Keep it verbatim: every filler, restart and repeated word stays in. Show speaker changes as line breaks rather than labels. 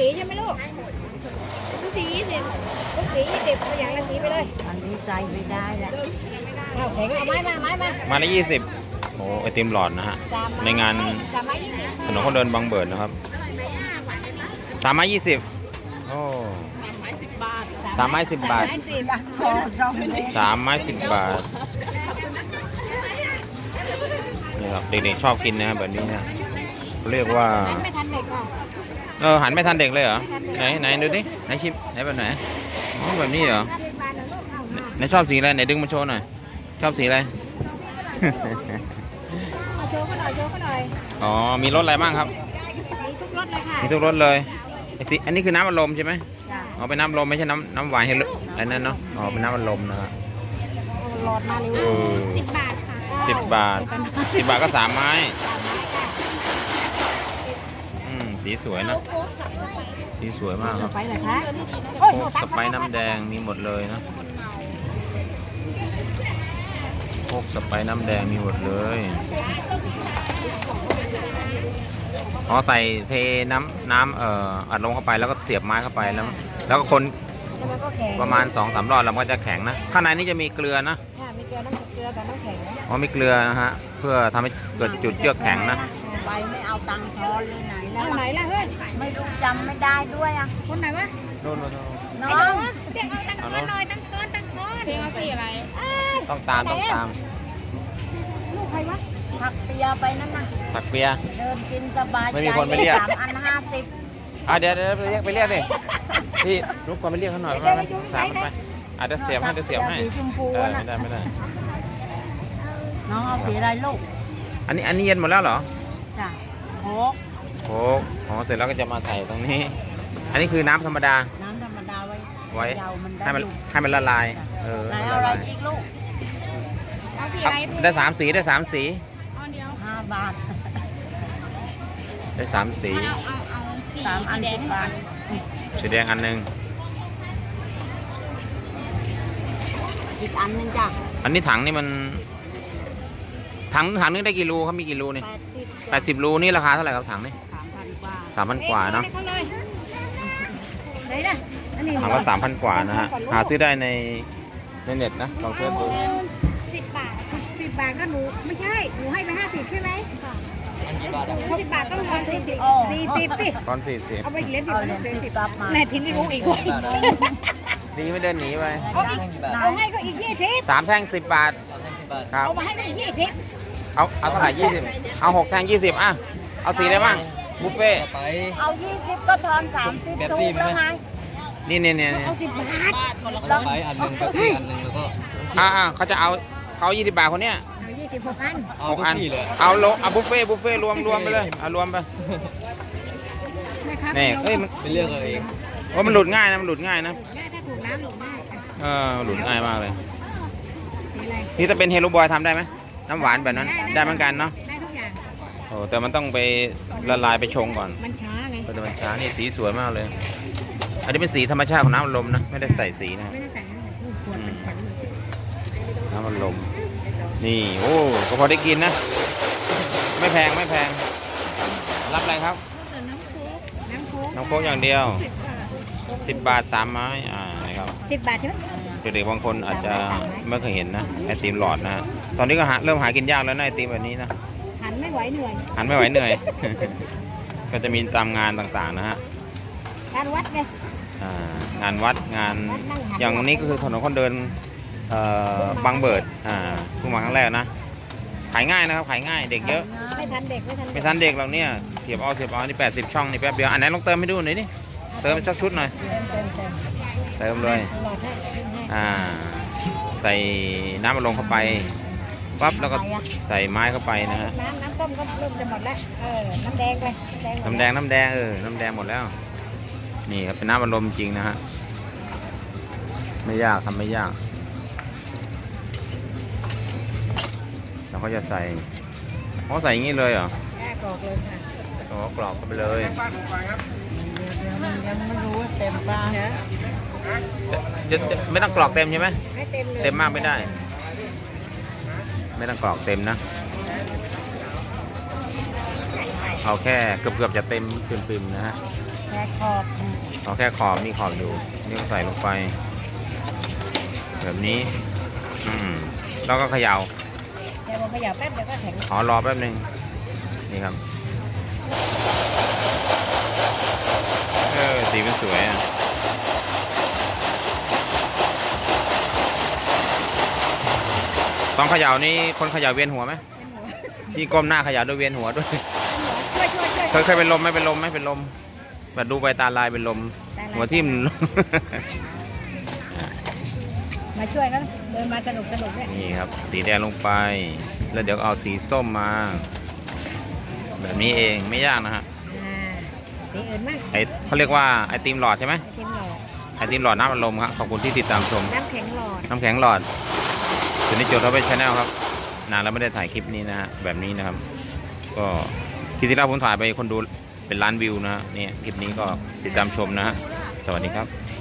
สีใช่ไหมลูกทุกสียี่สิบทุกสียี่สิบตัวอย่างละสีไปเลยอันนี้ใส่ไม่ได้แหละเอาแข็งเอาไม้มาไม้มา
มาละยี่สิบโอ้ไอติมหลอดนะฮะในงานถนนคนเดินบางเบิดนะครับสามไม้ยี่สิบโอ้สามไม้สิบบาทสามไม้สิบบาทนี่ครับเด็กๆชอบกินนะครับแบบนี้นะเรียกว่าเออหันไม่ทันเด็กเลยเหรอไหนไหนดูดิไหนชิมไหนแบบไหนแบบนี้เหรอไหนชอบสีอะไรไหนดึงมาโชว์หน่อยชอบสีอะไร
โชว์ก็หน่อยโชว์ก็หน่อย
อ๋อมีรสอะไรบ้างครับ
มีทุกรสเลยค่ะ
มีทุกรสเลยไอสิอันนี้คือน้ำอัดลมใช่ไหมอ๋อเป็นน้ำลมไม่ใช่น้ำน้ำหวานเฮลอันนั้นเนาะอ๋อเป็นน้ำอัดลมนะครับ
หลอดมาเร็วสิบบาทค่ะ
สิบบาทสิบบาทก็สามไม้อืมสีสวยนะสีสวยมากครับ
ไปเลยคะ
โค้กสไปซ์น้ำแดงมีหมดเลยนะโค้กสไปซ์น้ำแดงมีหมดเลยอ๋อใส่เทน้ำน้ำเอ่ออัดลงเข้าไปแล้วก็เสียบไม้เข้าไปแล้วแล้วก็คนประมาณ สองสาม รอบแล้วมันก็จะแข็งนะข้างในนี้จะมีเกลือนะ
มีเกลือน้ำเกลือกับน้ำแข็ง
อ๋อมีเกลือนะฮะเพื่อทำให้เกิดจุดเยือกแข็งนะ
ไปไม่เอาตังค์ทอนเลยไหนแล้วไหนล่ะเฮ้ยไม่รู้จำไม่ได้ด้วยอ่ะคนไหนวะ
โน่น
น้องเรียกเอาตังค์ทอนหน่อยตังค์ทอนตังค์ทอนเพลงเอาสีอะไร
ต้องตามต้องตาม
ลูกใครวะผักเปียไปนั่นน่ะ
ผักเปีย
เดินกินสบายใจ
ไม่มีคนไปเรียก
สามอันห้าสิบ
อ่ะเดี๋ยวเดี๋ยวไปเรียกไปเรียกดิพี่ลูกคนไปเรียกเขาหน่อยว่าสามไปอาจจะเสียบให้จะเสียบให้เออไม่ได้ไม่ได้
น้องเอาสีอะไรลูก
อันนี้อันนี้เย็นหมดแล้วเหรอ
จ้ะโค้ก
โค้กอ๋อเสร็จแล้วก็จะมาใส่ตรงนี้อันนี้คือน้ำธรรมดา
น้ำธรรมดาไว้
ไว้ให้มันให้มันละลายเออ
เอาอะไรอีกลูก
เอาสีอะไรได้สามสีได้สามสี
ห้าบาท
ได้สามสี
เอาเอาเอาสามอันสิบบาท
สีแดงอันหนึ่ง
อีกอันนึงจ้ะ
อันนี้ถังนี่มันถังถังนึงได้กี่รูครับมีกี่รูนี่แปดสิบรูนี่ราคาเท่าไหร่ครับถังนี่
สามพันกว่า
สามพันกว่าเนาะถังละสามพันกว่านะฮะหาซื้อได้ในในเน็ตนะลองเสิร์ชดู
สิบบาทสิบบาทก็หนูไม่ใช่หนูให้ไปห้าสิบใช่ไหมสิบบาทต้องทอนสี่สิบสี่สิบสิ
ตอนสี่สิบ
เอาไปเหรียญสิบเหรียญสิบแม่ทิ้งไม่รู้อีกเลย
ดีไม่เดินหนีไป
เอาให้ก็อีกยี่สิบ
สามแท่งสิบบาทครับ
เอามาให้ก็อีกยี่สิบ
เอาเอาเท่าไหร่ยี่สิบเอาหกแท่งยี่สิบอ่ะเอาสีได้บ้างบุฟเฟ่
เอายี่สิบก็ทอนสามสิบถูกแล้วไง
นี่เนี่ยเนี่ย
เอาสิบบาท
ต้องไปอันหนึ่งกับอีกอันหนึ่งแล้วก็
อ่าเขาจะเอาเขายี่สิบบาทคนเนี้ย
เอายี่สิบหกอัน
หกอันเอาโลเอาบุฟเฟ่บุฟเฟ่รวมรวมไปเลยเอารวมไปนี่เอ้ยมัน
ไปเลือกเอาเอง
ว่ามันหลุดง่ายนะมันหลุดง่ายนะ
ถ้าถูกน้ำหลุดง่าย
เออหลุดง่ายมากเลยนี่ถ้าเป็นเฮโลบอยทำได้ไหมน้ำหวานแบบนั้นได้เหมือนกันเนาะ
ได้ทุกอย่าง
โอ้แต่มันต้องไปละลายไปชงก่อน
มันช้าไง
แต่มันช้านี่สีสวยมากเลยอันนี้เป็นสีธรรมชาติของน้ำอัดลมนะไม่ได้ใส่สีนะ
ไม่ได้ใส่
น้ำอัดลมนี่โอ้ก็พอได้กินนะไม่แพงไม่แพงรับอะไรครับ
น้ำโค้ก
น้ำโค้กอย่างเดียวสิบบาทสามไม้อ่านะครับ
สิบบาทใช่ไหม
เด็กๆบางคนอาจจะไม่เคยเห็นนะไอติมหลอดนะตอนนี้ก็หาเริ่มหากินยากแล้วนะไอติมแบบนี้นะ
หันไม่ไหวเหนื่อย
หันไม่ไหวเหนื่อยก็จะมีตามงานต่างๆนะฮะ
งานวัดไง
งานวัดงานอย่างนี้ก็คือถนนคนเดินบางเบิดอ่าเพิ่งมาครั้งแรกนะขายง่ายนะครับขายง่ายเด็กเยอะ
ไม่ทันเด็กไม่ทัน
ไม่ทันเด็กเราเนี่ยเสียบเอาเสียบเอานี่แปดสิบช่องนี่แป๊บเดียวอันไหนลองเติมให้ดูหน่อยดิเติมสักชุดหน่อยเติมเลยอ่าใส่น้ำมันลงเข้าไปปั๊บแล้วก็ใส่ไม้เข้าไปนะฮะ
น้ำน้ำต้มก็เริ่มจะหมดแล้วเออน้ำแดงไป
น้ำแดงน้ำแดงเออน้ำแดงหมดแล้วนี่ครับเป็นน้ำมันลมจริงนะฮะไม่ยากทำไม่ยากเราก็จะใส่เขาใส่อย่างนี้เลยเหรอก
รอกเลยค่ะ
อ๋อกรอกเข้าไปเลย
ยังไม่รู้ว่าเต็มปลาฮะ
จะจะไม่ต้องกรอกเต็มใช่ไหม
ไม่เต็มเลย
เต็มมากไม่ได้ไม่ต้องกรอกเต็มนะเอาแค่เกือบๆจะเต็มปิ่มๆนะฮะ
แค่ขอบ
เอาแค่ขอบมีขอบอยู่นี่ก็ใส่ลงไป แบบนี้ อืมแล้วก็เขย่า
เดี๋ยวผมขยับแป๊บเดี๋ยวก็แข็ง
ขอรอแป๊บหนึ่งนี่ครับเออสีมันสวยอ่ะตอนเขย่านี่คนเขย่าเวียนหัวไหมพี่ก้มหน้าเขย่าด้วยเวียนหัวด้วย
ช่วยช่วยช่วย
เคยเคยเป็นลมไหมเป็นลมไหมเป็นลมแบบดูไปตาลายเป็นลมหัวทิ่ม
มาช่วยกันเดินมาสนุกสนุกเนี่ย
นี่ครับสีแดงลงไป แล้วเดี๋ยวเอาสีส้มมา แบบนี้เองไม่ยากนะฮะ
อ่าสีอื่นมั้ง
ไอเขาเรียกว่าไอติมหลอดใช่ไหม
ไอติมหลอด
ไอติมหลอดน้ำอัดลมครับขอบคุณที่ติดตามชม
น้ำแข็งหลอด
น้ำแข็งหลอดส่วนนี้โจทย์เราเป็นชาแนลครับนานแล้วไม่ได้ถ่ายคลิปนี้นะฮะแบบนี้นะครับ ก็คลิปที่แล้วผมถ่ายไปคนดูเป็นล้านวิวนะฮะนี่คลิปนี้ก็ติดตามชมนะฮะสวัสดีครับ